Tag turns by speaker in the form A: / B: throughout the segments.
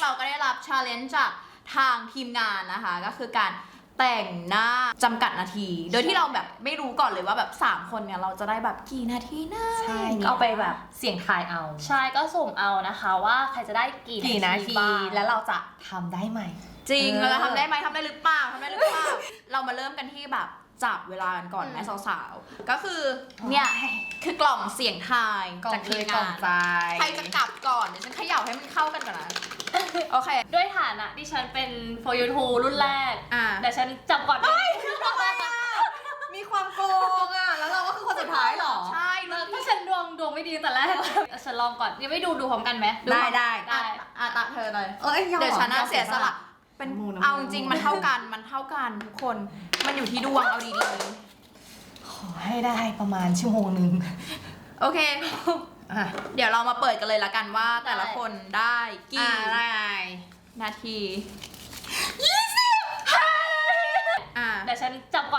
A: เราก็ได้รับชาเลนจ์จากทางทีมงานนะคะก็คือการแต่งหน้าจำกัดนาที โดยที่เราแบบไม่รู้ก่อนเลยว่าแบบ3คนเนี่ยเราจะได้แบบกี่นาทีนะ
B: ใช่ก็ไปแบบเสี่ยงทายเอา
C: ใช่ก็สุ่มเอานะคะว่าใครจะได้กี่นาที
B: แล้วเราจะทำได้ไหม
A: จริงเราจะทำได้ไหมทำได้หรือเปล่าเรามาเริ่มกันที่แบบจับเวลากันก่อนแม่สาวๆก็คือเนี่ยคือกล่องเสียงทายจากทีมงานใครจะกลับก่อนเดี๋ยวฉันเขย่าให้มันเข้ากันก่อนนะโอเค
C: ด้วยฐานะที่ฉันเป็น for you two รุ่นแรกแต่ฉันจับก่อน
B: มีความโกงอ่ะแล้วเราก็คือคนสุดท้ายหรอ
A: ใช่
C: ถ้าฉันดวงไม่ดีแต่แรกฉันลองก่อนยังไม่ดูพร้อมกันไหม
B: ได้
A: ตาเธอเลย
B: เดี๋
A: ยวฉันเสียสละเป็นเอาจริงมันเท่ากันทุกคนมันอยู่ที่ดวงเอาดี
B: ๆขอให้ได้ประมาณชั่วโมงนึง
A: โอเคเดี๋ยวเรามาเปิดกันเลยละกันว่าแต่ละคนได้กี่นาที20
C: แต่ฉันจับก่อน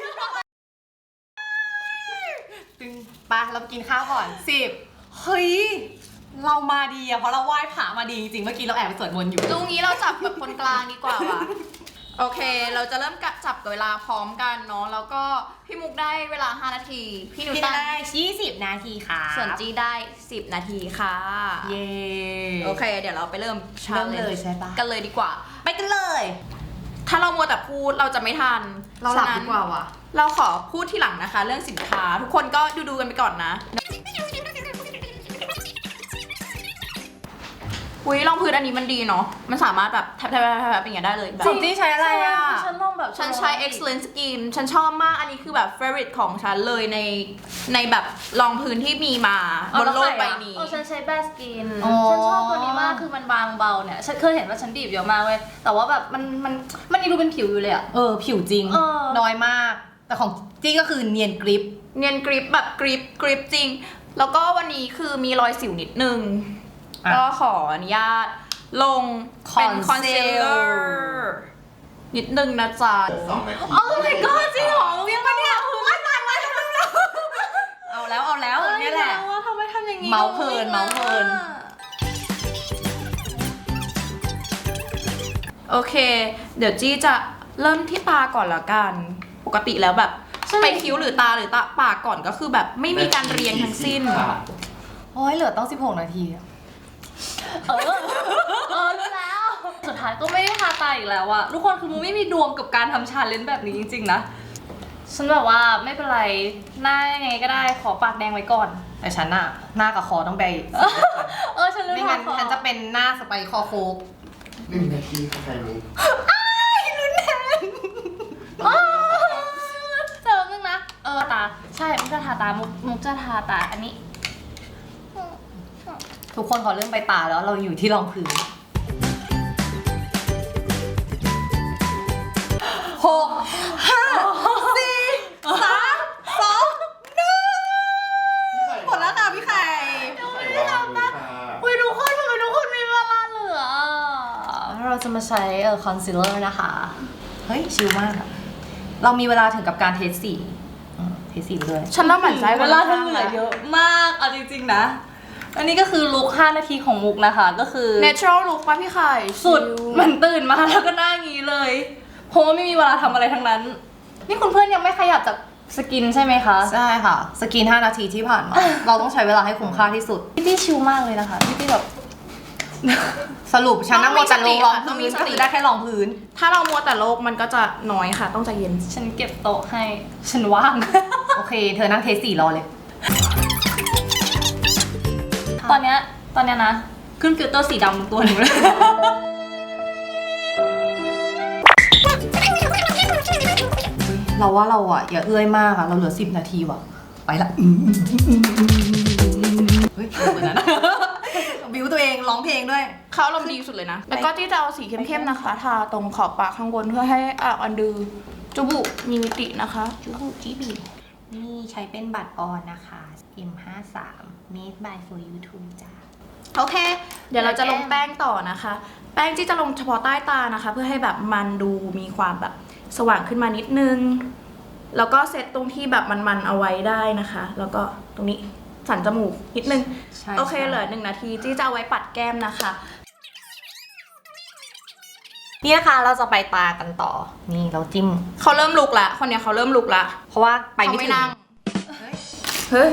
B: ตึงปะเรากินข้าวก่อน10เฮ้ยเรามาดีอะเพราะเราไหว้พระมาดีจริงๆเมื่อกี้เราแอบไปสวดมนต์อยู่
A: ตรงนี้เราจับแบบคนกลางดีกว่าว่ะโอเคเราจะเริ่มจับกับเวลาพร้อมกันเนาะแล้วก็พี่มุกได้เวลา5นาทีพี่นุ้ย
B: ได้20นาทีค่ะ
A: ส่วนจีได้10นาทีค่ะ
B: เย้
A: โอเคเดี๋ยวเราไปเริ่ม
B: เลยใช่ปะ
A: กันเลยดีกว่า
B: ไปกันเลย
A: ถ้าเรามัวแต่พูดเราจะไม่ทัน
B: เราหลับดีกว่าว่ะ
A: เราขอพูดทีหลังนะคะเรื่องสินค้าทุกคนก็ดูกันไปก่อนนะอุ้ยรองพื้นอันนี้มันดีเนาะมันสามารถแบบแทบอย่างเงี้ยได้เลยแบบ
B: ที่ใช้อะไรอ่ะ
C: ฉันลองแบบ
A: ฉันใช้ Excellent Skin ฉันชอบมากอันนี้คือแบบ favorite ของฉันเลยในแบบรองพื้นที่มีมาบนโลกใบนี้
C: ฉันใช้แบสกินฉันชอบตัวนี้มากคือมันบางเบาเนี่ยฉันเคยเห็นว่าฉันดีบเยอะมากเว้ยแต่ว่าแบบมันดูเป็นผิวอยู่เลยอะ
B: ผิวจริงน้อยมากแต่ของจี้ก็คือเนียนกริป
A: แบบกริปจริงแล้วก็วันนี้คือมีรอยสิวนิดนึงก็ขออนุญาตลงเป็นคอนซีลเลอร์นิดนึงนะจ๊ะ
B: โอ้ my god จริงเหรอเรียกมาเนี่ยตายเอาแล้วนี่แหละ
A: ว่าทำไมทำอย่างนี้
B: เมาเพลิน
A: โอเคเดี๋ยวจี้จะเริ่มที่ตาก่อนละกันปกติแล้วแบบไปคิ้วหรือตาปากก่อนก็คือแบบไม่มีการเรียงทั้งสิ้น
B: โอ้ยเหลือต้อง16นาที
C: รู้แล้วสุดท้ายก็ไม่ได้ทาตาอีกแล้วอะทุกคนคือมึงไม่มีดวงกับการทำชาเลนจ์แบบนี้จริงๆนะฉันแบบว่าไม่เป็นไรหน้ายังไงก็ได้ขอปากแดงไว้ก่อน
B: แต่ฉันอะหน้ากับคอต้องไป
C: ฉันรู้
B: ไม่งั้นฉันจะเป็นหน้าสไปคอโคก
D: 1 นาทีค่ะใครรู้
B: รุนแรง
C: เจอนึงนะตาใช่มุกจะทาตามุกจะทาตาอันนี้
B: ทุกคนขอเริ่มไปตาแล้วเราอยู่ที่รองพื้น6 5 4 3 2 1หมดแล้วค่ะพี่ไข่
C: ทุกคนมีเวลาเหลือเราจะมาใช้คอนซีลเลอร์นะคะ
B: เฮ้ยชิลมากเรามีเวลาถึงกับการเทสสีด้วย
A: ฉันน่าหมั่นใจ
C: เวลาเธอเหลือเยอะมากเอาจริงๆนะอันนี้ก็คือลุค5นาทีของมุกนะคะก็คือ
A: natural look ป่ะพี่ไข่
C: สุดมันตื่นมาแล้วก็หน้างี้เลยเพราะว่าไม่มีเวลาทำอะไรทั้งนั้นนี่คุณเพื่อนยังไม่ขยับจากสกินใช่ไหมคะ
B: ใช่ค่ะสกิน5นาทีที่ผ่านมา เราต้องใช้เวลาให้คุ้มค่าที่สุด
C: พี่ชิลมากเลยนะคะพี่แบบ
B: สรุปฉันนั่งมัวแต่ลงรองพื้นก็คือได้แค่รองพื้น
A: ถ้าเรามัวแต่โลกมันก็จะน้อยค่ะต้องใจเย็น
C: ฉันเก็บโต๊ะให้ฉันว่าง
B: โอเคเธอนั่งเทส4รอเลย
C: ตอนเนี้ยนะขึ้นฟิลเตอร์สีดำตัวหนึ่งเลย
B: เราว่าเราอะอย่าเอื้อยมากอะเราเหลือ10นาทีว่ะไปละเฮ้ยเหมือนนั้นบิวตัวเองร้องเพลงด้วย
A: เขาอารมณ์ดีสุดเลยนะแล้วก็ที่จะเอาสีเข้มๆนะคะทาตรงขอบปากข้างบนเพื่อให้อันดูจูบุมีมิตินะคะจูบุจีบี
B: นี่ใช้เป็นบัตรออนนะคะ M53 made by for you too จ้า
A: โอเคเดี๋ยวเราจะลงแป้งต่อนะคะแป้งที่จะลงเฉพาะใต้ตานะคะเพื่อให้แบบมันดูมีความแบบสว่างขึ้นมานิดนึงแล้วก็เซตตรงที่แบบมันเอาไว้ได้นะคะแล้วก็ตรงนี้สันจมูกนิดนึงโอเคเหลือ1 นาทีที่จะเอาไว้ปัดแก้มนะคะ
B: นี่นะคะเราจะไปตากันต่อ นี่เราจิ้ม
A: เขาเริ่มลุกละคนเนี้ยเขาเริ่มลุกละ
B: เพราะว่าไป
A: เขา
B: ไม่
A: ไม่
B: ถึง
A: นั่งเฮ้ย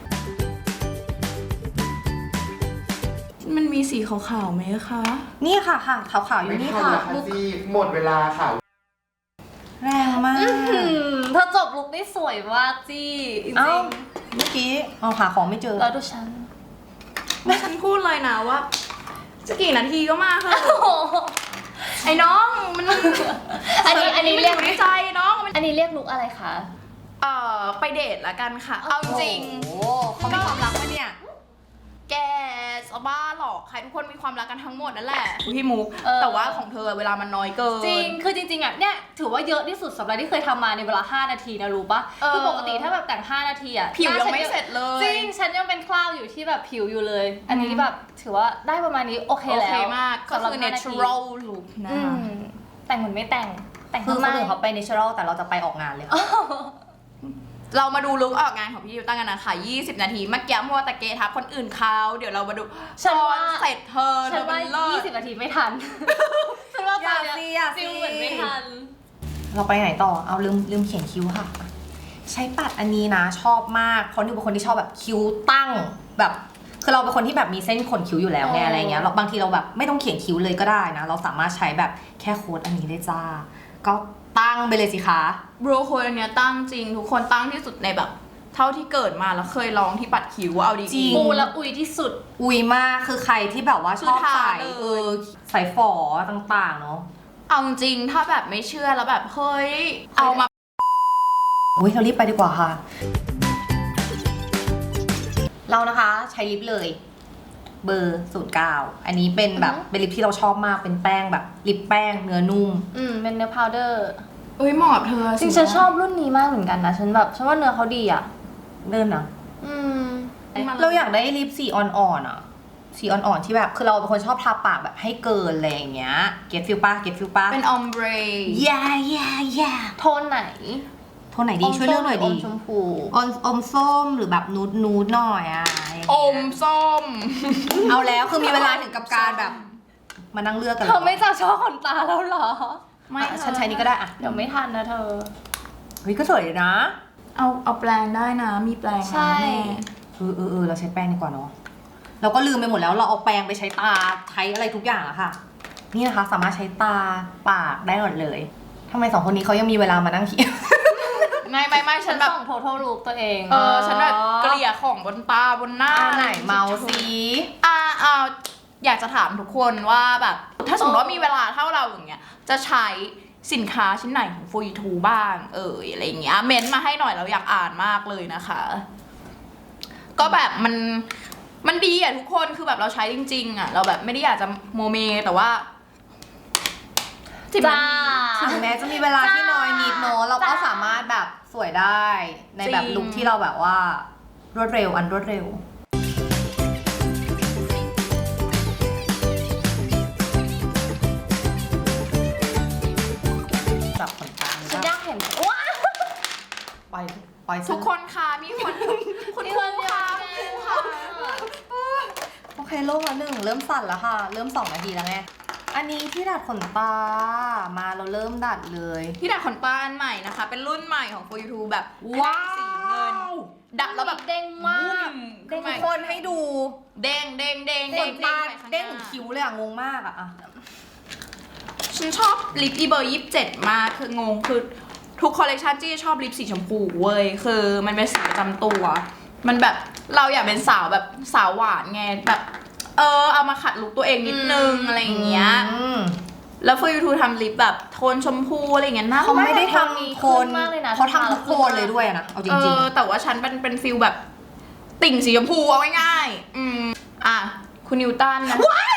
A: มันมีสีขาวๆไหมคะ
B: นี่ค่ะขาวๆอยู่
D: ไม่
B: นี่
D: ทัน
B: ค่ะ
D: แล้วค่ะจี้หมดเวลาค่ะ
B: แรงมาก
C: เธอจบลุคได้สวยมากจี้จริ
B: เอ้าง เมื่อกี้เอาหาของไม่เจอ
C: ๆแล้วดูฉัน
A: ฉันพูดเลยนะว่า จะกี่นาทีก็มาเถอะไอ้น้องมัน
C: อันนี้เรียก
A: ไม่อยู่ในใจน้องมัน
C: อันนี้เรียกลุคอะไรคะ
A: ไปเดทละกันค่ะ เอาจริง
B: โอ้โหเขามีความรักปะเนี่ย
A: แกสบ้าหรอกใครทุกคนมีความรักกันทั้งหมดนั่นแหละพี่มุก แต่ว่าของเธอเวลามันน้อยเกิน
C: จริง คือจริงๆอ่ะเนี่ยถือว่าเยอะที่สุดสำหรับที่เคยทำมาในเวลา5 นาทีนะรู้ปะคือปกติถ้าแบบแต่ง5 นาทีอ่ะ
A: ผิว
C: หน้า
A: ยัง
C: ฉัน
A: ไม่เสร็จเลย
C: จริง ฉันยังเป็นคราบอยู่ที่แบบผิวอยู่เลย อันนี้แบบถือว่าได้ประมาณนี้โอเค
A: โอ
C: แล้ว
A: เคมากก็
C: สำหรับ
A: คือ
C: 5 นาที
A: natural look นะ
C: อื
A: คะ
C: มแต่งเหมือนไม่แต่ง
B: คือ
C: ทำ
B: ค
C: ไม
B: นอื่นเขาไป natural แต่เราจะไปออกงานเลยค่ะ
A: เรามาดูลุคออกงานของพี่ยูตั้งกันนะคะ20 นาทีเมื่อกี้มัวแต่เกทับคนอื่นเขาเดี๋ยวเรามาดู
C: ฉัน
A: ตอ
C: ว่า
A: นเสร็จเธอ
C: ฉันว่า
A: เลิศ
C: 20 นาทีไม่ทัน ฉันว่าตอนเนี้ย
B: อย่าสิ
C: ฟิลเหมือนไม่ทัน
B: เราไปไหนต่อ เอาลืมเขียนคิ้วค่ะ ใช้ปัดอันนี้นะชอบมากเพราะนิวเป็นคนที่ชอบแบบคิ้วตั้งแบบคือเราเป็นคนที่แบบมีเส้นขนคิ้วอยู่แล้วไงอะไรเงี้ยเราบางทีเราแบบไม่ต้องเขียนคิ้วเลยก็ได้นะ เราสามารถใช้แบบแค่โค้ดอันนี้ได้จ้า ก็ตั้งไปเลยสิคะ
A: บรูโคนอันเนี้ยตั้งจริง ทุกคนตั้งที่สุดในแบบ เท่าที่เกิดมาแล้วเคยลองที่ปัดคิ้วเอาดี
B: จริง
C: ปูและอุยที่สุด
B: อุยมากคือใครที่แบบว่าชอบ
A: คือทา
B: ใส่
A: เลย
B: ใส่ฝอต่างๆเนาะ
A: เอาจริงถ้าแบบไม่เชื่อแล้วแบบเฮ้ยเอามา
B: อุ้ยเรารีบไปดีกว่าค่ะ เรานะคะใช้ลิปเลยเบอร์09อันนี้เป็นแบบเป็นลิปที่เราชอบมากเป็นแป้งแบบลิปแป้งเนื้อนุ่ม
C: เป็นเนื้อพาวเดอร์
A: เอ้ยเหมาะกับเธอ
C: จริงฉันชอบรุ่นนี้มากเหมือนกันนะ ฉันว่าเนื้อเขาดีอ่ะ
B: เดินนะ
C: อืม
B: เราอยากได้ลิปสีอ่อนๆอ่ะ สีอ่อนๆที่แบบคือเราเป็นคนชอบทาปากแบบให้เกินอะไรอย่างเงี้ย เก็ตฟิลป้าเก็ตฟิลป้า
A: เป็นออมเบร
B: yeah
C: โทนไหน
B: โทนไหนดีช่วยเลือกหน่อยดี
C: อมชมพู
B: อมส้มหรือแบบนูดหน่อยอ่ะ
A: อมส้ม
B: เอาแล้วคือมีเวลาถึงกับการแบบมานั่งเลือกกัน
C: เธอไม่จะชอบขนตาแล้วเหรอ
A: ไม่
B: อ่ะฉันใช้นี้ก็ได้อ่ะ
C: เดี๋ยวไม่ทันนะเธอ
B: เฮ้ยก็สวยเลยนะ
A: เอาแปลงได้นะ มีแปลงนะ
C: ใช่
A: แม่
B: เราใช้แป้งดีกว่าเนาะเราก็ลืมไปหมดแล้วเราเอาแปรงไปใช้ตาใช้อะไรทุกอย่างอะค่ะ นี่นะคะสามารถใช้ตาปากได้หมดเลยทำไม2 คนนี้เขายังมีเวลามานั่งเขียน
A: ไม่ฉันแบบ
C: ส่ง total look ตัวเอง
A: ฉันแบบเกลี่ยของบนตาบนหน้า
B: ไหนเมาสิ
A: อยากจะถามทุกคนว่าแบบ ถ้าสมมติว่ามีเวลาเท่าเราอย่างเงี้ย จะใช้สินค้าชิ้นไหนของ For You บ้าง อะไรอย่างเงี้ย เม้นต์มาให้หน่อยเราอยากอ่านมากเลยนะคะ ก็แบบมันดีอ่ะทุกคนคือแบบเราใช้จริงๆอ่ะ เราแบบไม่ได้อยากจะโมเมแต่ว่า10 นา
C: จ้า
A: ที
B: ถึงแม้จะมีเวลาที่น้อยนิดเนาะเราก็
C: จ้า
B: สามารถแบบสวยได้ในแบบ
A: จริง
B: ลุคที่เราแบบว่ารวดเร็วอันรวดเร็วจับขนตา
C: ฉันอยากเห็นว้า
B: ปล่อย
A: ทุกคนค่ะมีคนคุณครูค่ะคุณครูค่ะ
B: โอเคโล่งละ1เริ่มสั่นแล้วค่ะ เริ่ม2 นาทีแล้วไงอันนี้ที่ดัดขนตามาเราเริ่มดัดเลย
A: ที่ดัดขนตาอันใหม่นะคะ เป็นรุ่นใหม่ของ For You แบบ
B: ว้าว
A: สีเงิน ดัดแล้วแบบ
C: เด้งมาก
A: เด้ง
B: ทุกคนให้ดู
A: เด้งเด้งเด้ง
B: ขนตา
A: ไปข้
B: เด้ง
A: ห
B: ถึ
A: น้าง
B: คิ้วเลยอะงงมากอะ
A: ฉันชอบลิปอีเบอร์27 มากคืองงคือทุกคอลเลกชันที่ชอบลิปสีชมพูเว้ยคือมันเป็นสีประจำตัว มันแบบเราอยากเป็นสาวแบบสาวหวานไงแบบเอามาขัดลุคตัวเองนิดนึงอะไรอย่างเงี้ย แล้ว For You ทำลิปแบบโทนชมพูอะไรอย่างเงี้ยน่ารัก
B: เขาไม่ได้ทำโคน
C: มากเลยนะ
B: เขาทำทุกโคนเลยด้วยนะเอาจริง
A: แต่ว่าฉันเป็นฟิลแบบติ่งสีชมพูเอาง่ายๆอ่ะคุณนิวตันนะ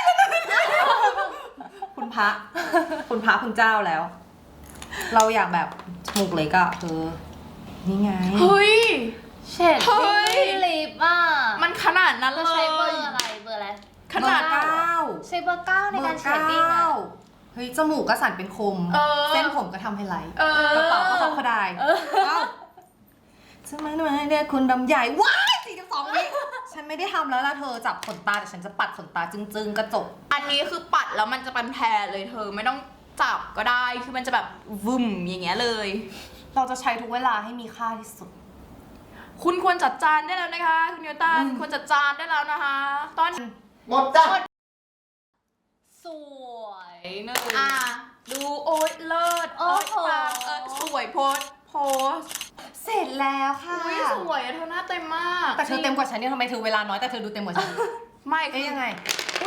B: ๆคุณพระคุณเจ้าแล้ว เราอยากแบบจมูกเล็กอะนี่ไง
A: เฮ้ย
C: เฉด
A: เฮ้ย
C: ลิปอ่ะ
A: มันขนาดนั้นเล
C: เราใช้เบอร์
A: ย
C: อะไรเบอร์อะไร
A: ขนาด
B: เบอร์
C: ใช้เบอร์ 9ในการเชดดิ้งอ่ะ
B: เฮ้ยจมูกก็สั่นเป็นคม เส้นผมก็ทำให้ไหลกระเป๋าก็ทำขดายจะมาเรียกคุณดำใหญ่ว้าย42 วิฉันไม่ได้ทำแล้วล่ะเธอจับขนตาแต่ฉันจะปัดขนตาจึงๆกระจก
A: อันนี้คือปัดแล้วมันจะเป็นแพรเลยเธอไม่ต้องจับก็ได้คือมันจะแบบวึ่มอย่างเงี้ยเลย
B: เราจะใช้ทุกเวลาให้มีค่าที่สุด
A: คุณควรจัดจานได้แล้วนะคะคุณนิวตันควรจัดจานได้แล้วนะคะ ตอน
D: หมดจ้ะ
C: สวยหนึ่ง
A: ดูโอ๊ยเลิศ
C: โอ้โห
A: ปังสวยโพสต์
B: เสร็จแล้วค่ะ
A: อุ้ยสวยอะเธอหน้าเต็มมาก
B: แต่เธอเต็มกว่าฉันเนี่ยทำไมเธอเวลาน้อยแต่เธอดูเต็มกว่าฉัน
A: ไม่
B: เอ๊ย
A: คือ
B: ยังไง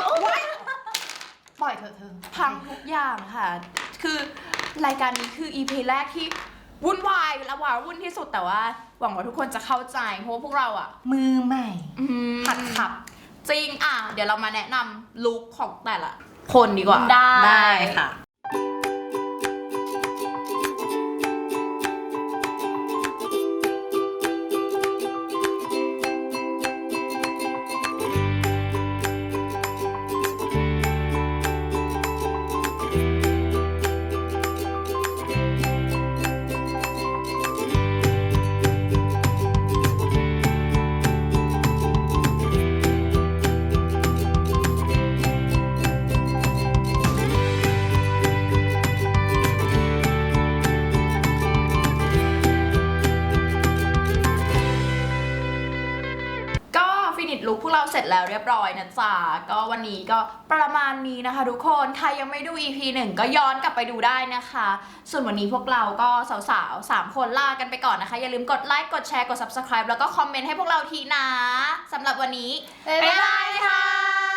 B: ปล่อยเธอ
A: พังทุกอย่างค่ะ คือรายการนี้คือ EP แรกที่วุ่นวายและว้าวุ่นที่สุดแต่ว่าหวังว่าทุกคนจะเข้าใจเพราะว่าพวกเราอ่ะ
B: มือใหม่
A: หัดขับ จริงเดี๋ยวเรามาแนะนำลุคของแต่ละคนดีกว่า
B: ได้ค่ะ
A: ก็ฟินิชลุคพวกเราเสร็จแล้วเรียบร้อยนะจ๊ะก็วันนี้ก็ประมาณนี้นะคะทุกคนใครยังไม่ดู EP 1 ก็ย้อนกลับไปดูได้นะคะ ส่วนวันนี้พวกเราก็สาวๆ3คนลากันไปก่อนนะคะอย่าลืมกดไลค์กดแชร์กด Subscribe แล้วก็คอมเมนต์ให้พวกเราทีนะสำหรับวันนี้บ๊ายบายค่ะ